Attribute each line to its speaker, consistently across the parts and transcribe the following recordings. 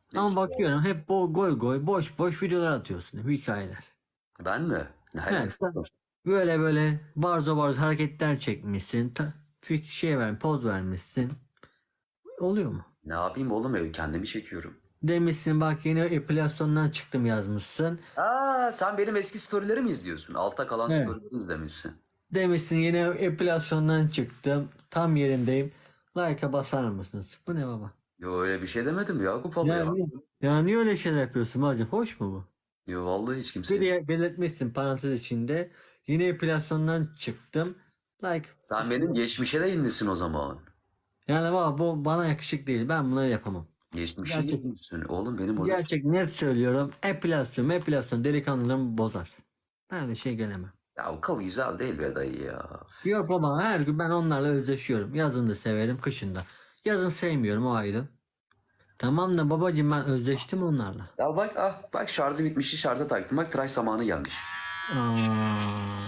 Speaker 1: Ama
Speaker 2: İşte
Speaker 1: bakıyorum hep goy goy boş boş videolar atıyorsun. Hep hikayeler.
Speaker 2: ben mi? Ne
Speaker 1: Evet,
Speaker 2: alakası var?
Speaker 1: böyle böyle barzo barzo hareketler çekmişsin. Şey poz vermişsin. Oluyor mu?
Speaker 2: Ne yapayım oğlum, ev kendimi çekiyorum.
Speaker 1: Demişsin bak yeni epilasyondan çıktım yazmışsın.
Speaker 2: Aa, sen benim eski storyleri mi izliyorsun? Altta kalan
Speaker 1: Evet.
Speaker 2: storyleri izlemişsin.
Speaker 1: Demişsin yeni epilasyondan çıktım. Tam yerindeyim. Like'a basar mısınız? Bu ne baba?
Speaker 2: Yo, öyle bir şey demedim Yakup abi ya.
Speaker 1: Ya niye öyle şeyler yapıyorsun bacım? Hoş mu bu?
Speaker 2: Yo, vallahi hiç
Speaker 1: Bir
Speaker 2: kimseye.
Speaker 1: de belirtmişsin parantez içinde. Yeni epilasyondan çıktım. Like.
Speaker 2: Sen benim geçmişe de inmişsin o zaman.
Speaker 1: Yani baba bu bana yakışık değil. Ben bunları yapamam.
Speaker 2: Geçmişe
Speaker 1: Gerçek,
Speaker 2: inmişsin. Oğlum benim orada
Speaker 1: gerçek net söylüyorum. Epilasyon delikanlılığımı bozar. Ben öyle şey gelemem.
Speaker 2: ya o kıl güzel değil be dayı ya.
Speaker 1: Yok baba her gün ben onlarla özleşiyorum. Yazın da severim, kışın da. Yazın sevmiyorum o ayrı. Tamam da babacığım ben özleştim onlarla.
Speaker 2: Ya bak, bak şarjı bitmişti, şarja taktım, bak tıraş zamanı gelmiş.
Speaker 1: Aa.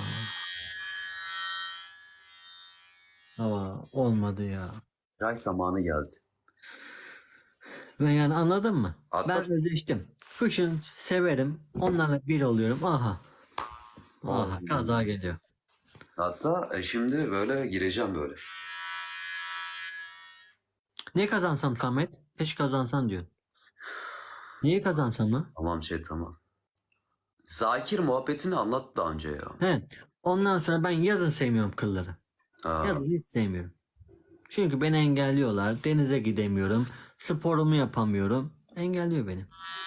Speaker 1: Ama olmadı ya.
Speaker 2: Tıraş zamanı geldi.
Speaker 1: Ve yani anladın mı?
Speaker 2: At
Speaker 1: Ben
Speaker 2: bak.
Speaker 1: özleştim. Kışın severim. Onlarla bir oluyorum. Aha. Aha kaza geliyor.
Speaker 2: Hatta şimdi böyle gireceğim böyle.
Speaker 1: Ne kazansam Samet? Keşke kazansan diyor. Niye kazansam mı?
Speaker 2: Tamam şey, tamam. Zakir muhabbetini anlat daha önce ya.
Speaker 1: He. Ondan sonra ben yazın sevmiyorum kılları.
Speaker 2: Aa,
Speaker 1: Yazın hiç sevmiyorum. Çünkü beni engelliyorlar. Denize gidemiyorum. Sporumu yapamıyorum. Engelliyor beni.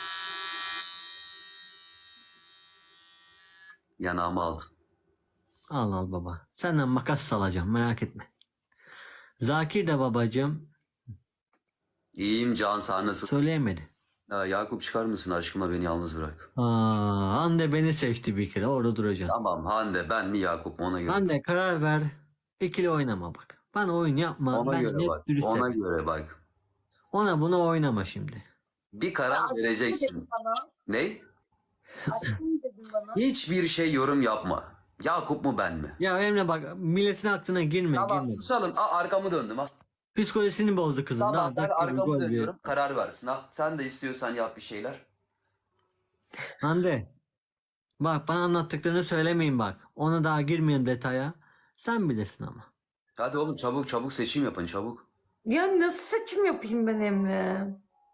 Speaker 2: yanağımı aldım.
Speaker 1: Al al baba. Senden makas salacağım merak etme. Zakir de babacığım
Speaker 2: İyiyim Can, sen nasıl?
Speaker 1: söyleyemedi.
Speaker 2: Ya, Yakup çıkar mısın, aşkımla beni yalnız bırak.
Speaker 1: Hande beni seçti bir kere orada duracaksın.
Speaker 2: Tamam, Hande ben mi Yakup mu, ona göre.
Speaker 1: Hande karar ver. İkili oynama bak. Bana oyun yapma.
Speaker 2: Ona
Speaker 1: Ben
Speaker 2: göre
Speaker 1: net
Speaker 2: bak.
Speaker 1: dürüst
Speaker 2: Ona
Speaker 1: yapayım.
Speaker 2: göre bak.
Speaker 1: Ona buna oynama şimdi.
Speaker 2: Bir karar vereceksin.
Speaker 3: Bana.
Speaker 2: Ne?
Speaker 3: Aşkım dedim bana.
Speaker 2: Hiçbir şey yorum yapma. Yakup mu ben mi?
Speaker 1: Ya Emre bak milletin aklına girme.
Speaker 2: Tamam,
Speaker 1: girme.
Speaker 2: susalım. Arkamı döndüm ha.
Speaker 1: Psikolojisini bozdu kızın.
Speaker 2: Tamam,
Speaker 1: Daha
Speaker 2: ben
Speaker 1: dakika bir
Speaker 2: arkamı
Speaker 1: gol
Speaker 2: dönüyorum. Karar versin ha. Sen de istiyorsan yap bir şeyler.
Speaker 1: Hande. Bak bana anlattıklarını söylemeyin bak. Ona daha girmeyin detaya. Sen bilirsin ama.
Speaker 2: Hadi oğlum, çabuk çabuk seçim yapın, çabuk.
Speaker 3: Ya nasıl seçim yapayım ben Emre?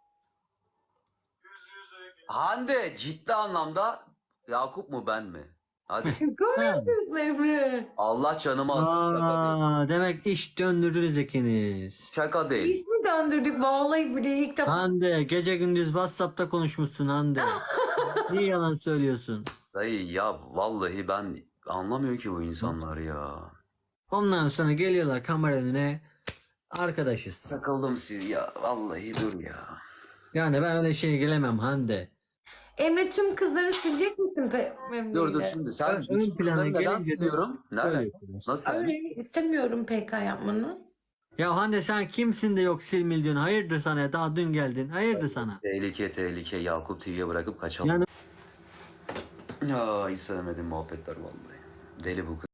Speaker 2: Hande, ciddi anlamda Yakup mu ben mi? Hadi.
Speaker 3: Şaka mı
Speaker 1: Ha.
Speaker 3: yapıyorsun Emre?
Speaker 2: Allah canımı alsın, şaka değil.
Speaker 1: Demek iş döndürdünüz ikiniz.
Speaker 2: Şaka değil.
Speaker 3: İş mi döndürdük? Vallahi bile ilk defa.
Speaker 1: Hande gece gündüz WhatsApp'ta konuşmuşsun Hande. Niye yalan söylüyorsun?
Speaker 2: Dayı ya, vallahi ben anlamıyor ki bu insanlar ya.
Speaker 1: Ondan sonra geliyorlar kamera önüne. Arkadaşız.
Speaker 2: Sakıldım siz ya. Vallahi dur ya.
Speaker 1: Yani ben öyle şeye gelemem Hande.
Speaker 3: Emre tüm kızları silecek misin Emre
Speaker 2: Dur
Speaker 3: ile?
Speaker 2: şimdi, sen
Speaker 1: Ön
Speaker 2: bütün
Speaker 1: plana
Speaker 2: kızları neden
Speaker 1: gelince de
Speaker 2: siliyorum? Nereden?
Speaker 1: Öyle yapıyorlar.
Speaker 2: Nasıl yani?
Speaker 3: Öyle istemiyorum PK yapmanı.
Speaker 1: Ya Hande sen kimsin de yok silmil diyorsun. Hayırdır sana daha dün geldin. Hayırdır sana.
Speaker 2: Tehlike tehlike, Yakup TV'ye bırakıp kaçalım.
Speaker 1: Yani
Speaker 2: Ya hiç sevmedim muhabbetler vallahi. Deli bu kız.